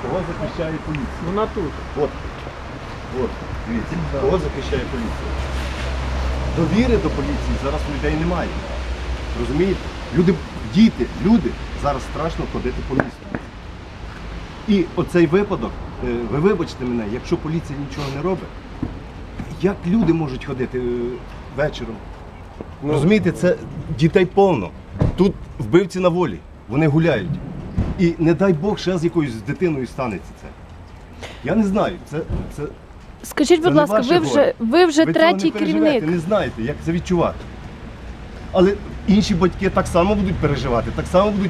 Кого захищає поліція? Вона тут. От, дивіться, кого захищає поліція? Довіри до поліції зараз у людей немає. Розумієте? Діти, люди, зараз страшно ходити по місту. І оцей випадок, ви вибачте мене, якщо поліція нічого не робить, як люди можуть ходити вечором? Розумієте, це дітей повно. Тут вбивці на волі, вони гуляють. І не дай Бог, ще з якоюсь дитиною станеться це. Я не знаю, Скажіть, будь ласка, ви вже третій керівник. Ви не знаєте, як це відчувати. Але інші батьки так само будуть переживати, так само будуть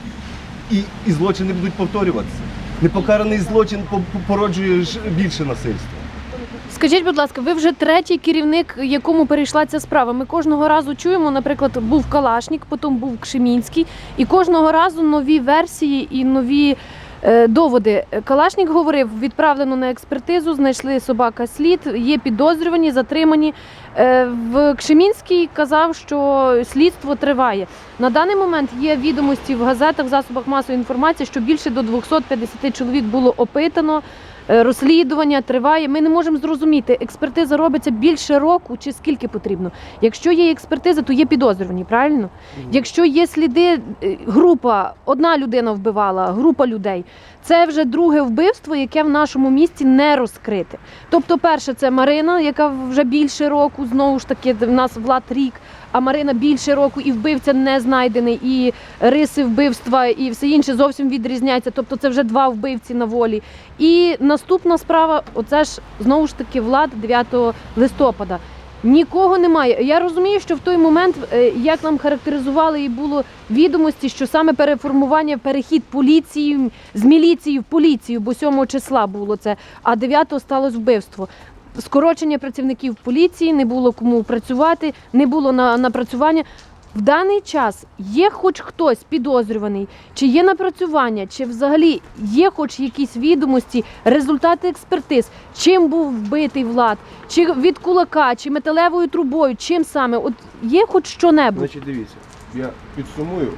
і злочини будуть повторюватися. Непокараний злочин породжує більше насильства. Скажіть, будь ласка, ви вже третій керівник, якому перейшла ця справа. Ми кожного разу чуємо, наприклад, був Калашнік, потім був Кшемінський, і кожного разу нові версії і нові доводи. Калашнік говорив, відправлено на експертизу, знайшли собака слід, є підозрювані, затримані. В Кшемінський казав, що слідство триває. На даний момент є відомості в газетах, в засобах масової інформації, що більше до 250 чоловік було опитано, розслідування триває. Ми не можемо зрозуміти, експертиза робиться більше року чи скільки потрібно. Якщо є експертиза, то є підозрювані, правильно? Якщо є сліди, група, одна людина вбивала, група людей, це вже друге вбивство, яке в нашому місті не розкрите. Тобто перше це Марина, яка вже більше року, знову ж таки, в нас Влад рік, а Марина більше року і вбивця не знайдений, і риси вбивства, і все інше зовсім відрізняється. Тобто це вже два вбивці на волі. І наступна справа, оце ж знову ж таки Влад 9 листопада. Нікого немає. Я розумію, що в той момент, як нам характеризували, і було відомості, що саме переформування, перехід поліції, з міліції в поліцію, бо 7 числа було це, а 9-го сталося вбивство. Скорочення працівників поліції, не було кому працювати, не було напрацювання. В даний час є хоч хтось підозрюваний, чи є напрацювання, чи взагалі є хоч якісь відомості, результати експертиз, чим був вбитий Влад, чи від кулака, чи металевою трубою, чим саме, от є хоч що-небудь? Значить, дивіться, я підсумую,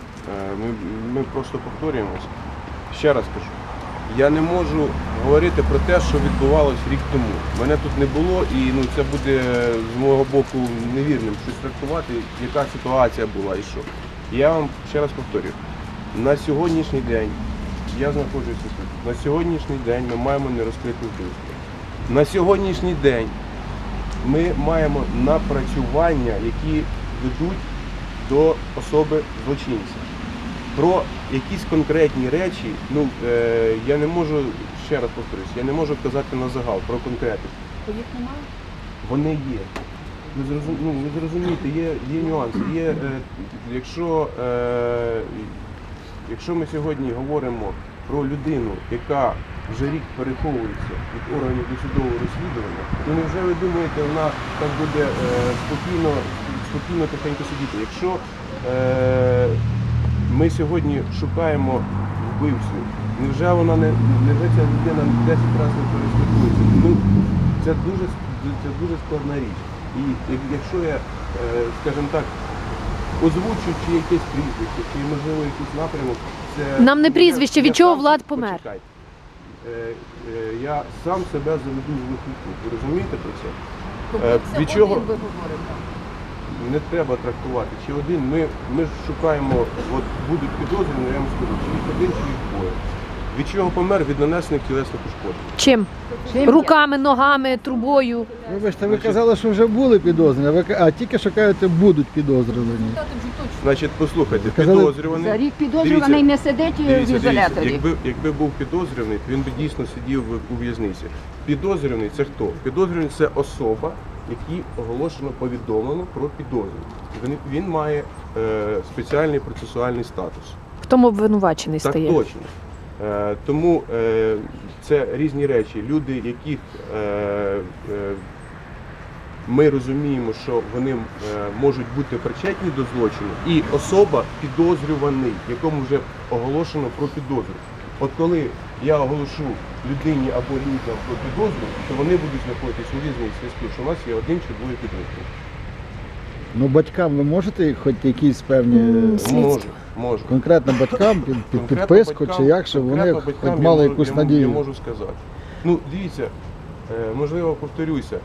ми просто повторюємося. Ще раз кажу, я не можу говорити про те, що відбувалось рік тому. Мене тут не було і це буде з мого боку невірним щось трактувати, яка ситуація була і що. Я вам ще раз повторюю, на сьогоднішній день, я знаходжуся тут, на сьогоднішній день ми маємо нерозкрите вбивство. На сьогоднішній день ми маємо напрацювання, які ведуть до особи злочинця. Про якісь конкретні речі, я не можу, ще раз повторюсь, я не можу казати на загал про конкретику. Їх немає? Вони є. Ви зрозумієте, є нюанси. Якщо ми сьогодні говоримо про людину, яка вже рік переховується від органів досудового розслідування, то невже ви думаєте, вона так буде спокійно тихенько сидіти? Якщо ми сьогодні шукаємо вбивцю, невже ця людина 10 разів не переслідується? Це дуже складна річ. І якщо я, скажімо так, озвучу чи якесь прізвище, чи можливо якийсь напрямок, це... Нам не прізвище, від чого Влад помер. Почекайте. Я сам себе заведу в вихідку. Ви розумієте про це? Від чого? Ви говорите. Не треба трактувати. Чи один, ми шукаємо, от будуть підозрювані, я вам скажу, чи їх один, чи їх двоє. Від чого помер? Від нанесених тілесних ушкоджень. Чим? Руками, ногами, трубою. Вибачте, ви казали, що вже були підозрювані, а тільки що кажете, будуть підозрювані. Значить, послухайте, Казали, підозрюваний... За рік підозрюваний не сидить в ізоляторі. Якби був підозрюваний, він би дійсно сидів у в'язниці. Підозрюваний – це хто? Підозрюваний – це особа, якій оголошено повідомлено про підозру. Він має спеціальний процесуальний статус. В тому обвинувачений стає. Так точно. Тому це різні речі. Люди, яких ми розуміємо, що вони можуть бути причетні до злочину, і особа підозрюваний, якому вже оголошено про підозру. От коли я оголошу людині або людям про підозру, то вони будуть знаходитись у в'язниці, що у нас є один чи двоє підозрюваних. Ну батькам ви можете хоч якісь певні Можу. конкретно батькам під Конкретно підписку батькам- чи як, щоб вони конкретно хоч батькам мали я якусь можу- Я надію? можу сказати. Ну, дивіться, можливо, повторюся.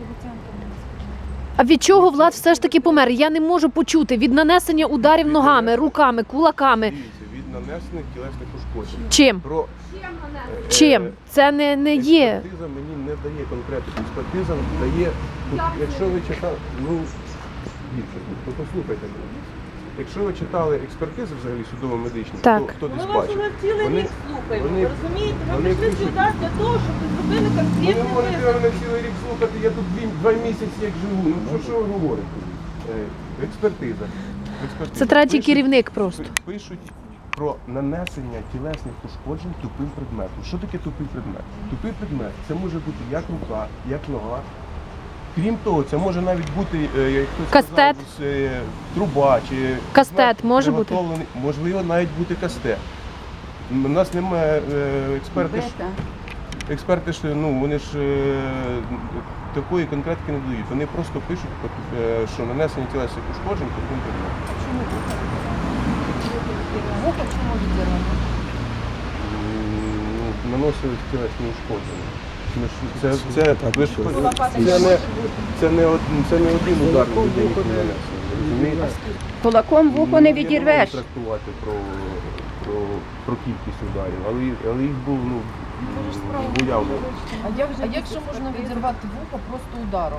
А від чого Влад все ж таки помер? Я не можу почути. Від нанесення ударів ногами, руками, кулаками. Дивіться, від нанесених тілесних ушкоджень. Чим? Про Чим? Це не є. Експертиза мені не дає конкретно. Експертиза дає, якщо ви читали, дивіться, послухайте мене. Якщо ви читали експертизи взагалі судово-медичні, Так. хто десь Ми вас бачив, уже цілий вони- рік слухаємо, вони- ви розумієте? Ми вони прийшли пишуть- сюди для того, щоб ви зробили ви не конкретний можете висновок. мене цілий рік слухати, я тут 2 місяці як живу. Ну що ви говорите? Експертиза. Це третій Пишуть- керівник просто. Пишуть про нанесення тілесних ушкоджень тупим предметом. Що таке тупий предмет? Тупий предмет це може бути як рука, як нога. Крім того, це може навіть бути як хтось Кастет. сказав, труба чи Кастет предмет може бути? приготовлений. Можливо, навіть бути кастет. У нас немає експерти. Бета. Експерти ж вони ж такої конкретики не дають. Вони просто пишуть, що нанесення тілесних ушкоджень тупим предметом. Наносили тілесні ушкодження. Ми ж- ви ж- це не один удар на людині, який нанесений, ви розумієте? Кулаком вухо не Я відірвеш. можу трактувати про кількість ударів, але їх було уявно. А якщо можна відірвати вухо просто ударом?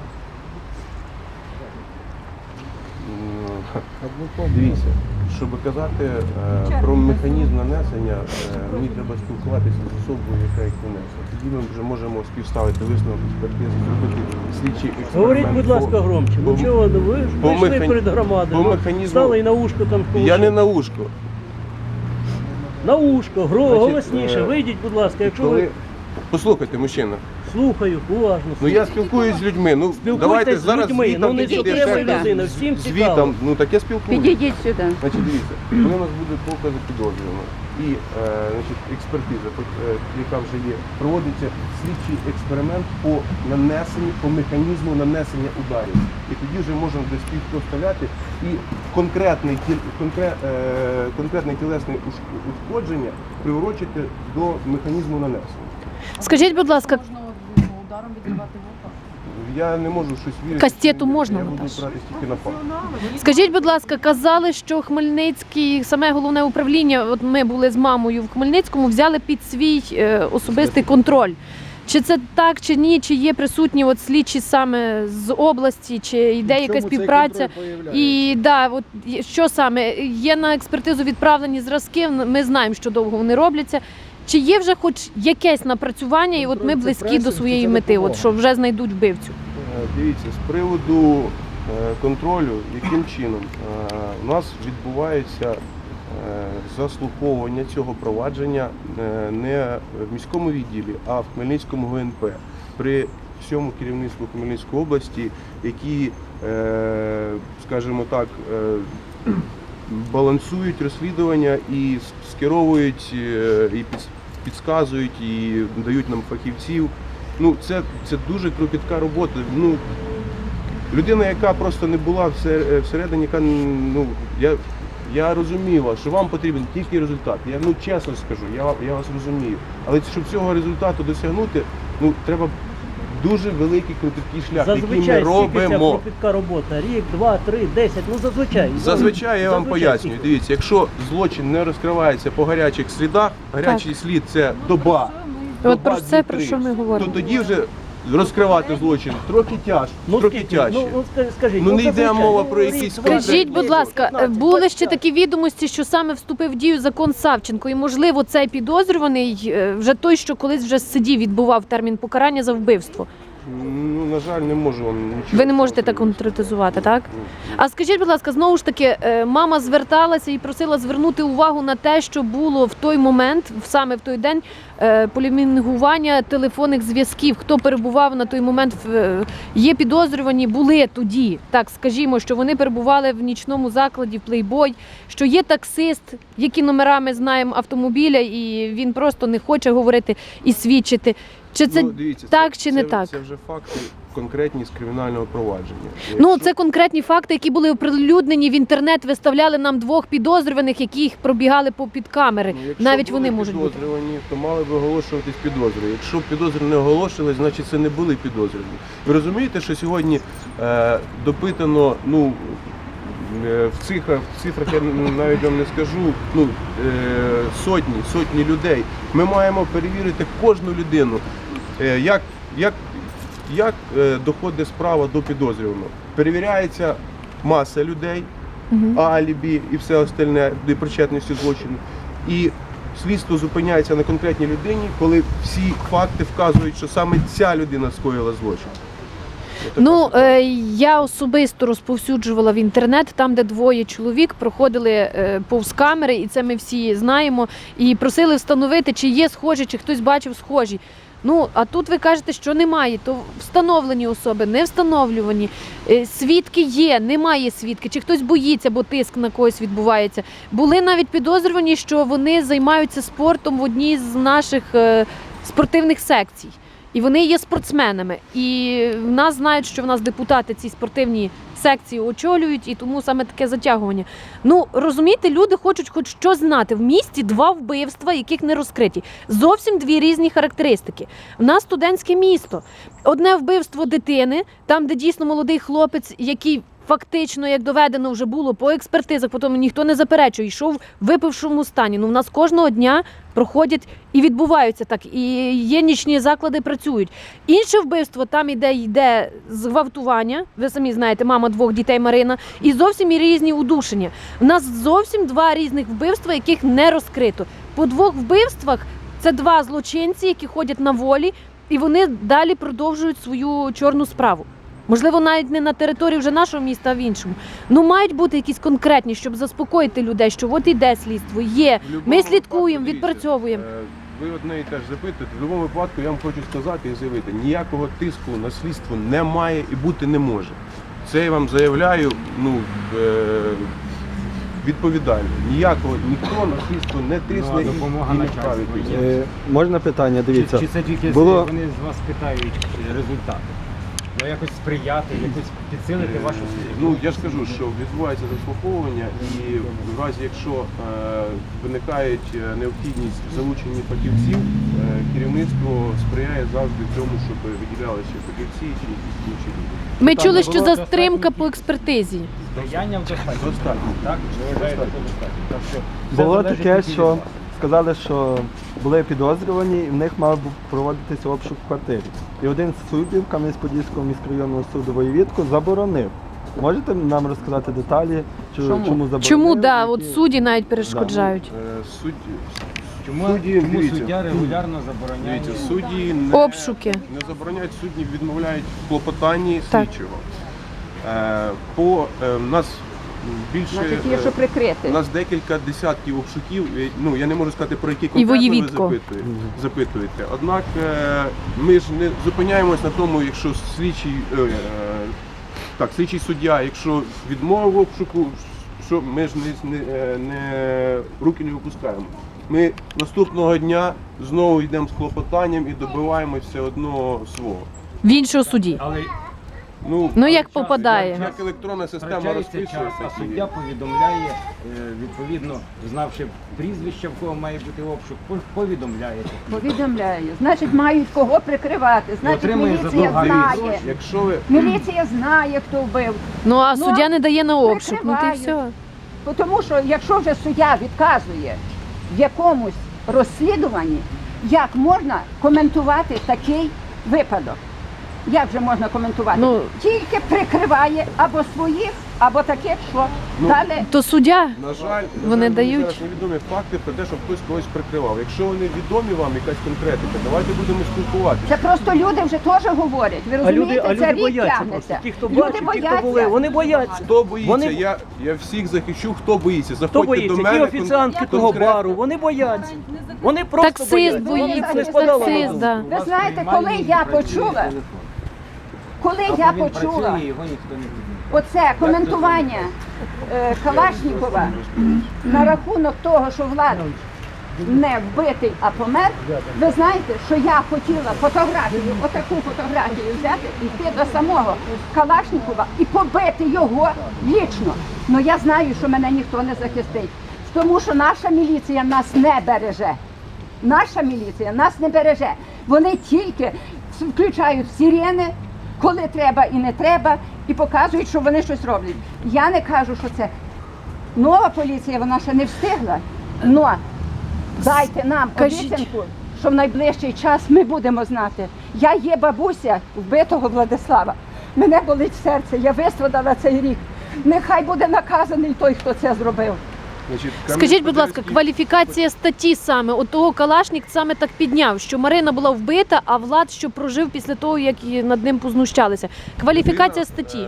Дивіться, щоб казати про механізм нанесення, мені треба спілкуватися з особою, яка їх нанесла. Тоді ми вже можемо співставити висновок експертизи, зробити слідчий експеримент. Говоріть, будь ласка, громче. по- Ну чого ви ж по прийшли механі- перед громадою, по ну, механізму- стали і на ушко там Я не на ушко. на ушко, Значить, голосніше, вийдіть, будь ласка, якщо ви... Послухайте, мужчина, Слухаю, уважно. ну я спілкуюсь з людьми, Спілкуйтесь давайте з зараз людьми, звітом ну не підійде тільки суттєва ви, ще. людина, всім цікаво. Звітом, так я спілкуюсь. Підійдіть сюди. Значить, дивіться, коли у нас буде покази підозрюваного і значить, експертиза, яка вже є, проводиться слідчий експеримент по нанесенню, по механізму нанесення ударів. І тоді вже можна десь співставляти і конкретне тілесне ушкодження приурочити до механізму нанесення. Скажіть, будь ласка, Можна ударом відірвати вухо? Я не можу щось вірити. Кастету можна, Я буду Наташа? брати тільки на факт. скажіть, будь ласка, казали, що Хмельницький, саме головне управління, от ми були з мамою в Хмельницькому, взяли під свій особистий контроль. Чи це так, чи ні, чи є присутні от слідчі саме з області, чи йде якась співпраця? І да, от що саме є на експертизу відправлені зразки. Ми знаємо, що довго вони робляться. Чи є вже хоч якесь напрацювання, і от ми близькі до своєї мети, от що вже знайдуть вбивцю? Дивіться, з приводу контролю, яким чином у нас відбувається заслуховування цього провадження не в міському відділі, а в Хмельницькому ГНП при всьому керівництву Хмельницької області, які, скажімо так, балансують розслідування і скеровують, і підказують, і дають нам фахівців. Ну, це дуже кропітка робота. Ну, людина, яка просто не була всередині, яка, я розумію вас, що вам потрібен тільки результат. Я чесно скажу, я вас розумію. Але щоб цього результату досягнути, треба дуже великий кропіткий шлях, який ми Зазвичай скільки ця робимо. кропітка робота? Рік, 2, 3, 10, ну зазвичай. Зазвичай я вам Зазвичай пояснюю. скільки? Дивіться, якщо злочин не розкривається по гарячих слідах, гарячий слід це доба. От про доба, це, 2-3, про що ми то говоримо. тоді вже розкривати злочин трохи тяжче. Ну, трохи скільки? тяжче. Скажіть, Ну, не йде зазвичай, мова про рік, якісь два, Скажіть, три, будь ласка, 15, були ще 25. такі відомості, що саме вступив в дію закон Савченко, і можливо цей підозрюваний вже той, що колись вже сидів, відбував термін покарання за вбивство. Ну, на жаль, не можу вам нічого. Ви не можете так конкретизувати, так? А скажіть, будь ласка, знову ж таки, мама зверталася і просила звернути увагу на те, що було в той момент, саме в той день, полімінгування телефонних зв'язків. Хто перебував на той момент, є підозрювані, були тоді. Так, скажімо, що вони перебували в нічному закладі, в плейбой, що є таксист, які номера ми знаємо автомобіля, і він просто не хоче говорити і свідчити. Чи це дивіться, так чи не так? Це вже факти. конкретні з кримінального провадження. Ну, Якщо- це конкретні факти, які були оприлюднені в інтернет, виставляли нам 2 підозрюваних, які їх пробігали під камери. Ну, якщо Навіть були вони можуть бути. підозрювані, то мали б оголошуватись підозри. Якщо підозри не оголошували, значить це не були підозрювані. Ви розумієте, що сьогодні допитано, в цифрах я навіть вам не скажу, сотні людей. Ми маємо перевірити кожну людину, як доходить справа до підозрюваного. Перевіряється маса людей, алібі і все остальне до причетності злочину. І слідство зупиняється на конкретній людині, коли всі факти вказують, що саме ця людина скоїла злочин. Ну, я особисто розповсюджувала в інтернет, там, де 2 чоловік проходили повз камери, і це ми всі знаємо, і просили встановити, чи є схожі, чи хтось бачив схожі. Ну, а тут ви кажете, що немає, то встановлені особи, не встановлювані, свідки є, немає свідки, чи хтось боїться, бо тиск на когось відбувається. Були навіть підозрювані, що вони займаються спортом в одній з наших спортивних секцій. І вони є спортсменами. І в нас знають, що в нас депутати ці спортивні секції очолюють, і тому саме таке затягування. Ну, розумієте, люди хочуть хоч щось знати. В місті 2 вбивства, яких не розкриті. Зовсім 2 різні характеристики. В нас студентське місто. Одне вбивство дитини, там, де дійсно молодий хлопець, який фактично, як доведено вже було по експертизах, потім ніхто не заперечує, йшов в випившому стані. Ну, в нас кожного дня проходять і відбуваються так, і є нічні заклади, працюють. Інше вбивство, там йде зґвалтування, ви самі знаєте, мама 2 дітей Марина, і зовсім і різні удушення. У нас зовсім 2 різних вбивства, яких не розкрито. По 2 вбивствах це 2 злочинці, які ходять на волі, і вони далі продовжують свою чорну справу. Можливо, навіть не на території вже нашого міста, а в іншому. Ну, мають бути якісь конкретні, щоб заспокоїти людей, що от іде слідство, є. В любому Ми слідкуємо, випадку, відпрацьовуємо. дивіться, Ви одне і теж запитуєте. В будь-якому випадку я вам хочу сказати і заявити, ніякого тиску на слідство немає і бути не може. Це я вам заявляю відповідально. Ніхто на слідство не тисне і не вправить. Можна питання, дивіться. Чи це тільки було- вони з вас питають результати? Ну якось сприяти, якось підсилити вашу службу? Ну, я ж кажу, що відбувається заслуховування, і в разі, якщо виникає необхідність в залученні фахівців, керівництво сприяє завжди цьому, щоб виділялися фахівці чи якісь інші люди. Ми Там чули, не що було затримка достатньо по експертизі. Даянням достатньо. Достатньо. Так? Ви вважаєте, що достатньо. Так що все Було залежить таке, тільки від що вас. сказали, що були підозрювані, і в них мав був проводитися обшук в квартирі. І один з суддів Кам'янець-Подільського міськрайонного суду Воєвідко заборонив. Можете нам розказати деталі, Чому? чому заборонив? Чому, да, які- от судді навіть перешкоджають. Чому дивіться. суддя регулярно забороняє? Дивіться, судді Обшуки. не забороняють, судді відмовляють в клопотанні Так. слідчого. У нас більше Значить, є що прикрити. у нас декілька десятків обшуків. Ну я не можу сказати, про які конкретно ви Воєвідко. запитуєте. Однак ми ж не зупиняємось на тому, якщо слідчий суддя, якщо відмовив обшуку, що ми ж руки не випускаємо. Ми наступного дня знову йдемо з клопотанням і добиваємось все одно свого. В іншого судді. Але Ну, як попадає. Як електронна система втрачається час, розписується. а суддя повідомляє, відповідно, знавши прізвище, в кого має бути обшук, повідомляєте. Повідомляю. Значить, мають кого прикривати. Значить, Отримує міліція задовго знає. гроші. Якщо ви Міліція знає, хто вбив. Ну, а Ну, суддя не дає на обшук. Ну, ти й прикривають. все. Тому що якщо вже суддя відказує в якомусь розслідуванні, як можна коментувати такий випадок? Як же можна коментувати? Ну, Тільки прикриває або своїх, або таких, що Ну, далі. То суддя, На жаль, Вони мені дають. зараз невідомі факти про те, що хтось когось прикривав. Якщо вони відомі вам, якась конкретика, давайте будемо спілкуватися. Це просто люди вже теж говорять. Ви розумієте, це рік бояться просто. тягнеться. Ті, хто Люди бачить, ті, хто були, бояться. вони бояться. Хто боїться? Вони- Я всіх захищу, хто боїться. Хто Заходьте боїться? до Ті мене. офіціантки того конкретно. бару, вони бояться. Вони просто таксист бояться. боїться, Вони не спадало на таксист, думку. да. Ви знаєте, коли я почула, Його ніхто не буде. оце коментування Калашнікова на рахунок того, що влада не вбитий, а помер, ви знаєте, що я хотіла фотографію, отаку фотографію взяти, йти до самого Калашнікова і побити його лічно. Ну я знаю, що мене ніхто не захистить, тому що наша міліція нас не береже. Наша міліція нас не береже. Вони тільки включають сирени, коли треба і не треба, і показують, що вони щось роблять. Я не кажу, що це нова поліція, вона ще не встигла. Но дайте нам обіцянку, що в найближчий час ми будемо знати. Я є бабуся вбитого Владислава. Мене болить серце, я вистрадала цей рік. Нехай буде наказаний той, хто це зробив. Значить, Скажіть, будь ласка, кваліфікація статті саме, от того Калашнік саме так підняв, що Марина була вбита, а Влад, що прожив після того, як над ним познущалися. Кваліфікація статті.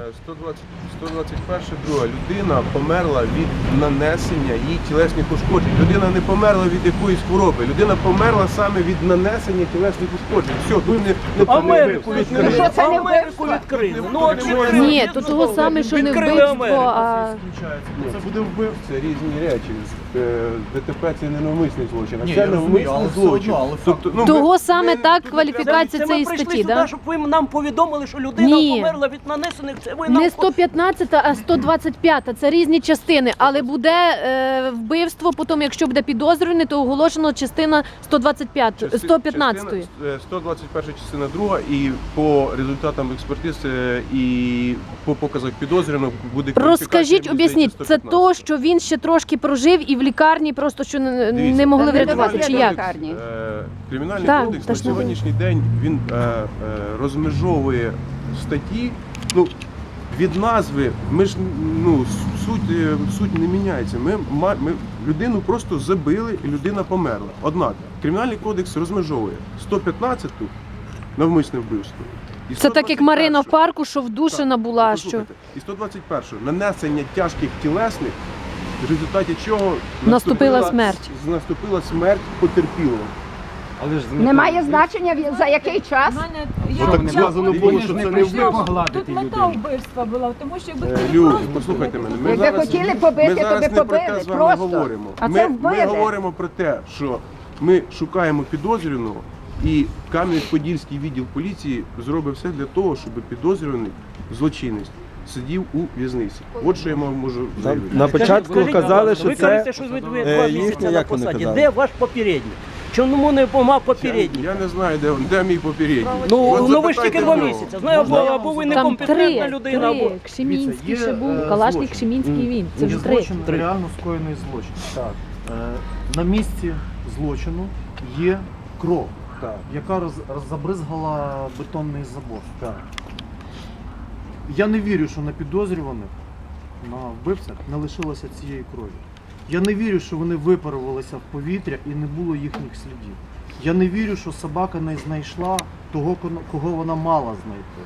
121 друга. Людина померла від нанесення їй тілесних ушкоджень. Людина не померла від якоїсь хвороби. Людина померла саме від нанесення тілесних ушкоджень. Все, тут не Америку Що відкрили. це не Америку відкрили. Ну, от відкрили. Ні, то того саме, що не Відкрили вбивство, Америку. а Це буде вбивство. Це різні речі. ДТП це не навмисний злочин, а це навмисний злочин. Тобто, ну, того саме так кваліфікація Це ми цієї прийшли статті, сюди, да? щоб ви нам повідомили, що людина Ні. померла від нанесених. Це ви нам Не 115, а 125. Це різні частини, але буде вбивство, потім, якщо буде підозрюваний, то оголошено частина 125, 115. 121 частина друга, і по результатам експертиз і по показах підозрюваного буде кваліфікація, Розкажіть, мені здається, об'ясніть, це 115. то, що він ще трошки прожив і в лікарні просто що не могли Та не врятувати, довезли чи до як? лікарні. Кримінальний Так, кодекс та на ж не ви. сьогоднішній день він розмежовує статті. Ну, від назви ми ж суть не міняється. Ми людину просто забили і людина померла. Однак Кримінальний кодекс розмежовує 115-ту навмисне вбивство. І Це так, як Марина в 121-шу. парку, що вдушена була, що Послухайте, і 121 нанесення тяжких тілесних, в результаті чого Наступила смерть. Наступила смерть потерпілого. Але ж Немає значення за який час. Ну так сказано було, що це не вбивство. Тут мета вбивства була, тому що якби хотіли Люд, просто послухайте мене. Якби хотіли побити, ми то зараз би не про те побили, з вами просто. говоримо. А це Ми вбили. говоримо про те, що ми шукаємо підозрюваного, і Кам'янець-Подільський відділ поліції зробив все для того, щоб підозрюваний злочинець сидів у в'язниці. От що я вам можу заявити. На початку Скажіть, казали, ви що кажете, це що ви 2 місяці їхня, на як вони посаді. казали? Де ваш попередній? Чому не помав попередній? Я не знаю, де мій попередній. Ну От ви ж тільки запитайте 2 в нього. місяці. Знаю, або ви там некомпетентна людина, або... Кшемінський ще був, Калашник, Кшемінський він. Це вже 3. Злочин, реально скоєний злочин. Так. На місці злочину є кров, яка забризгала бетонний забор. Так. Я не вірю, що на підозрюваних, на вбивцях не лишилося цієї крові. Я не вірю, що вони випарувалися в повітря і не було їхніх слідів. Я не вірю, що собака не знайшла того, кого вона мала знайти.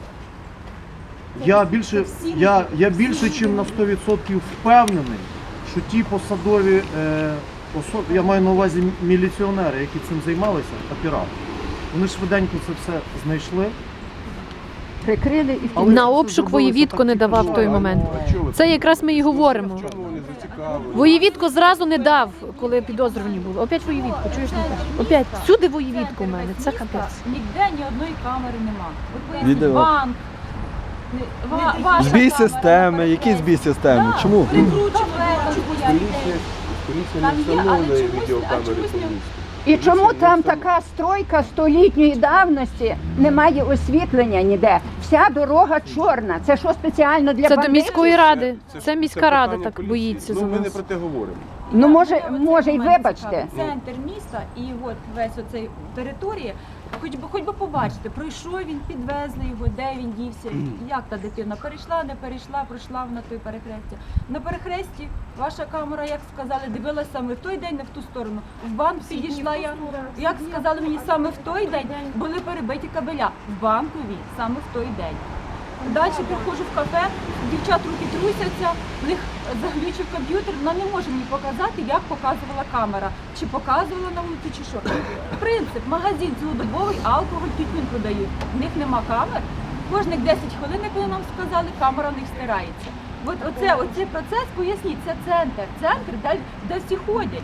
Я більше, чим на 100% впевнений, що ті посадові особи, я маю на увазі міліціонери, які цим займалися, оператори, вони швиденько це все знайшли. Прикрили і Але На це обшук зробилося Воєвідко так не тільки давав в що. той момент. А чого ви Це якраз ми і говоримо. В чому вони зацікавлені? Воєвідко зразу не дав, коли підозрювані були. Опять Воєвідко, чуєш, Наташа? Опять. Всюди Воєвідко у мене, це капець. Ніде ні одної камери нема. От поясніть, Відео. банк, ваша Збій камера, системи, які збій системи? Да, Чому? прикручувати, Поліція Там не є, але встановлює чомусь- відеокамери а чомусь по не- місту. І чому Поліція там не така стройка столітньої давності, немає освітлення ніде? Вся дорога чорна. Це що спеціально для Це до бандитів? міської ради. Це Це міська рада питання так поліції. боїться за Ну, ми не нас. про те говоримо. Ну може і Мене вибачте. цікавить. Центр міста і от весь оцей територія, хоч би побачити, пройшов він, підвезли його, де він дівся, як та дитина перейшла, не перейшла, пройшла на той перехрестя. На перехресті ваша камера, як сказали, дивилася саме в той день, не в ту сторону. В банк підійшла я, як сказали мені, саме в той день були перебиті кабеля. В банковій саме в той день. Далі приходжу в кафе, дівчат руки трусяться, в них заглючив комп'ютер, вона не може мені показати, як показувала камера. Чи показувала на вулиці, чи що. Принцип, магазин цілодобовий, алкоголь, тютюн продають. В них нема камер. Кожних 10 хвилин, як вони нам сказали, камера в них стирається. От оцей процес, поясніть, це центр, де всі ходять.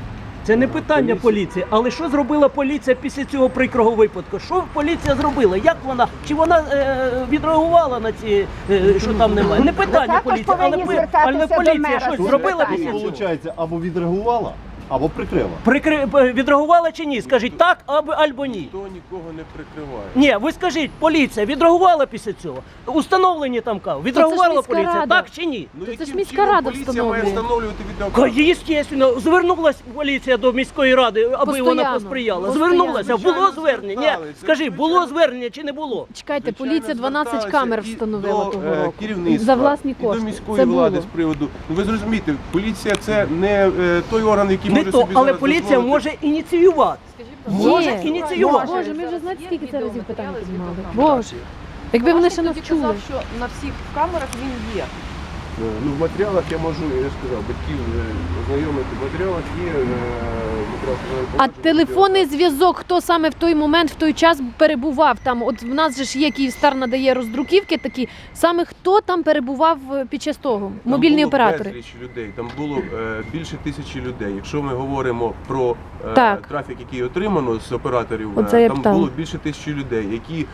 Це не питання поліції, але що зробила поліція після цього прикрого випадку? Що поліція зробила? Як вона? Чи вона відреагувала на ці, що там немає? Не питання також поліції, але, повинні звертатися до поліція мера щось з цим зробила питанням. після цього? Виходить, або відреагувала, або прикрила. Відреагувала чи ні? Скажіть так або ні. Ніхто нікого не прикриває. Ні, ви скажіть, поліція відреагувала після цього? Установлені там кав. Відреагувала міська поліція, рада. так чи ні? Ну, Це ж яким міська чином рада поліція має встановлює. встановлювати відеокамери? Звісно, звернулася поліція до міської ради, аби Постоянно. вона посприяла. Постоянно. Звернулася, було Звичайно, звернення? Ні, звертались. скажи, було Звичайно. звернення чи не було? Чекайте, Звичайно, поліція 12 зверталися камер і встановила до, того року. керівництва, За власні і до кошти. міської Це влади було. з приводу. Ну ви зрозумієте, поліція це не той орган, який Не може то, собі але зараз поліція дозволити. може ініціювати. Може Є. ініціювати. Боже, ми вже знаєте, скільки це разів питання піднімали. відеокамери. Боже. Якби вони ще Тоді навчули. казав, що на всіх камерах він є. Ну, в матеріалах я можу, я ж сказав, батьків ознайомити. В матеріалах є матеріал. А телефонний зв'язок, хто саме в той момент, в той час перебував там? От в нас же ж є Київстар надає роздруківки такі. Саме хто там перебував під час того? Мобільні Там було оператори. безліч людей, там було більше 1000 людей. Якщо ми говоримо про Так. трафік, який отримано з операторів, Оце я там питала. було більше 1000 людей, які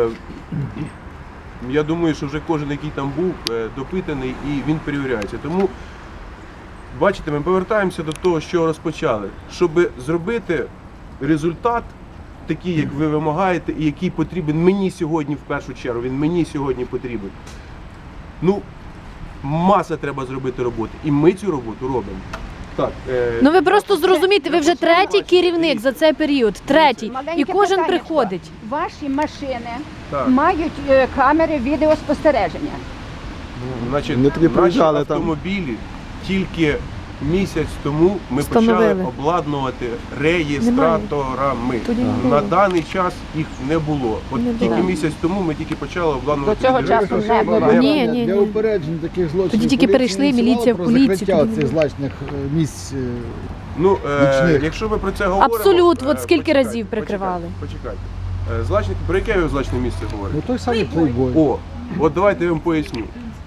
я думаю, що вже кожен, який там був, допитаний і він перевіряється. Тому, бачите, ми повертаємося до того, що розпочали. Щоб зробити результат такий, як ви вимагаєте, і який потрібен мені сьогодні в першу чергу, він мені сьогодні потрібен. Ну, маса треба зробити роботи. І ми цю роботу робимо. Так, Ну ви просто зрозумієте, ви вже третій керівник за цей період, третій, і Маленьке кожен питаннячко. приходить. Ваші машини Так. мають камери відеоспостереження. Значить, Вони тоді наші приїжджали там. автомобілі тільки місяць тому ми Встановили. почали обладнувати реєстраторами. Тоді не На було. даний час їх не було. От Не тільки було. місяць тому ми тільки почали обладнувати. До цього відеореєстратори. часу не було. Ні, ні, Для ні. упередження таких злочинів. Тоді тільки поліція перейшли, ініціювала міліція в про поліцію, закриття тоді цих не злачних місць. Ну, Нічних. якщо ви про це говорите... Абсолютно, от скільки разів прикривали? Почекайте. Злачник, про яке ви злачне місце говорите? Ну той самий плейбой. О, от давайте я вам поясню.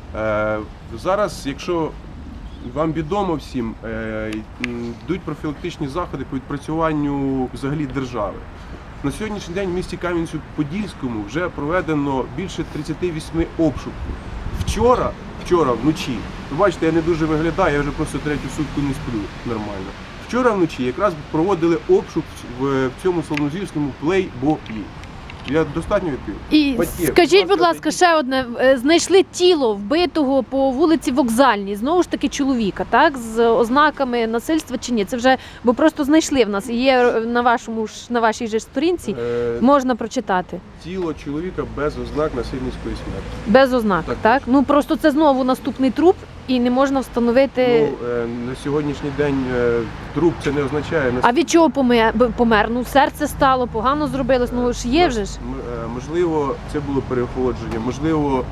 Зараз, якщо вам відомо всім, йдуть профілактичні заходи по відпрацюванню взагалі держави. На сьогоднішній день в місті Кам'янцю-Подільському вже проведено більше 38 обшуків. Вчора вночі, ви бачите, я не дуже виглядаю, я вже просто третю сутку не сплю нормально. Вчора вночі якраз проводили обшук в цьому славнозвісному плейбої. Я достатньо відповів? І Батьки, скажіть, будь ласка, зайдіть. ще одне. Знайшли тіло вбитого по вулиці Вокзальній, знову ж таки чоловіка, так? З ознаками насильства чи ні? Це вже, бо просто знайшли в нас. Є на вашій же сторінці, можна прочитати. Тіло чоловіка без ознак насильницької смерті. Без ознак, Так. так? Ну просто це знову наступний труп і не можна встановити. Ну, на сьогоднішній день труп це не означає... А від чого помер? Ну, серце стало, погано зробилось, ну ж є вже ж. Можливо, це було переохолодження, можливо,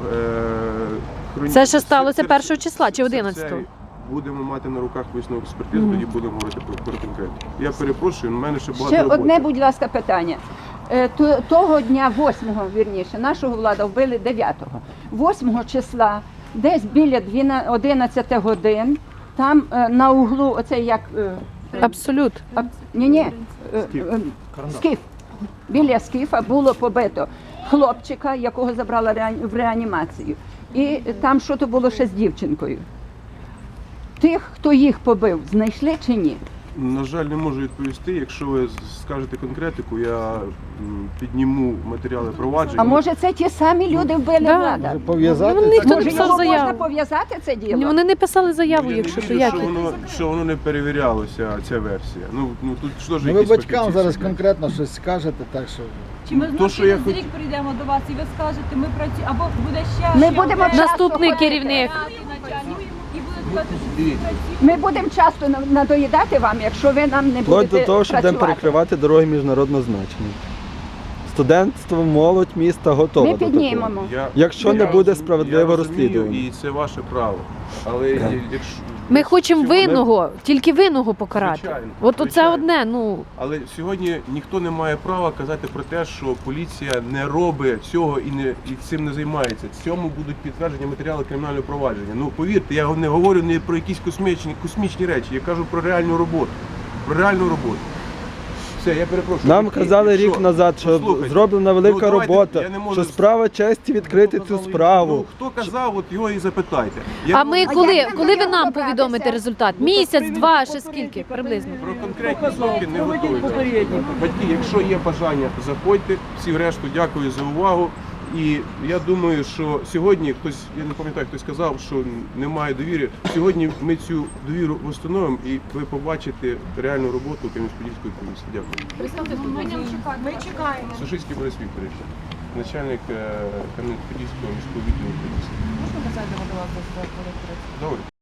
Це ще сталося 1 числа чи 11-го? Це будемо мати на руках висновок експертизи, тоді будемо говорити про конкретно. Я перепрошую, у мене ще багато Ще роботи. одне, будь ласка, питання. Того дня, 8-го, вірніше, нашого влада вбили 9-го. 8-го числа, десь біля 11 годин, там на углу, оце як... Абсолют. Скіф. Біля Скіфа було побито хлопчика, якого забрала в реанімацію. І там щось було ще з дівчинкою. Тих, хто їх побив, знайшли чи ні? На жаль, не можу відповісти. Якщо ви скажете конкретику, я підніму матеріали провадження. А може це ті самі люди вбили Да. влада? Може пов'язати? Ну, ніхто не Може писав його можна заяву. пов'язати це діло? Ні, вони не писали заяву, Я не якщо то вірю, як. що воно не перевірялося, ця версія. Ну тут що ж Ну, ви якісь батькам фахівці зараз сидять. конкретно щось скажете, так що... Чи ми То, знову що я через хоч- рік прийдемо до вас і ви скажете, ми працюємо, або буде ще Ми ще будемо один Наступний часто керівник. начальник, і буде сказати, що всі Дивіться. працюють. Ми будемо часто надоїдати вам, якщо ви нам не Вплоть будете до того, що будемо працювати. перекривати дороги міжнародного значення. Студентство, молодь міста готова Ми до такого. піднімемо. Якщо не Я буде розумію, справедливого я розумію, розслідування. І це ваше право. Але якщо Ми хочемо сьогодні- винного, тільки винного покарати. Звичайно, От оце звичайно. одне, ну. Але сьогодні ніхто не має права казати про те, що поліція не робить цього і цим не займається. Цьому будуть підтверджені матеріали кримінального провадження. Ну повірте, я не говорю не про якісь космічні речі, я кажу про реальну роботу. реальну роботу. Все, я перепрошую. Нам батьки, казали якщо- рік назад, що Послухайте, зроблена велика давайте, робота, я не можу- що справа честі відкрити цю справу. Ну, хто казав, от його і запитайте. А ми А коли, як коли ви нам нам добратися? повідомите результат? Місяць, два, ще скільки приблизно? Про конкретні сроки не Проведіть готові. попередньо. Батьки, якщо є бажання, заходьте. Всі решту дякую за увагу. І я думаю, що сьогодні хтось, я не пам'ятаю, хтось сказав, що немає довіри. Сьогодні ми цю довіру встановимо і ви побачите реальну роботу Кам'янець-Подільської комісії. Дякую. Ми чекаємо. Сушицький Борис Вікторович, начальник Кам'янець-Подільського міського відділу поліції. Можна ми зайдемо до вас до Добре.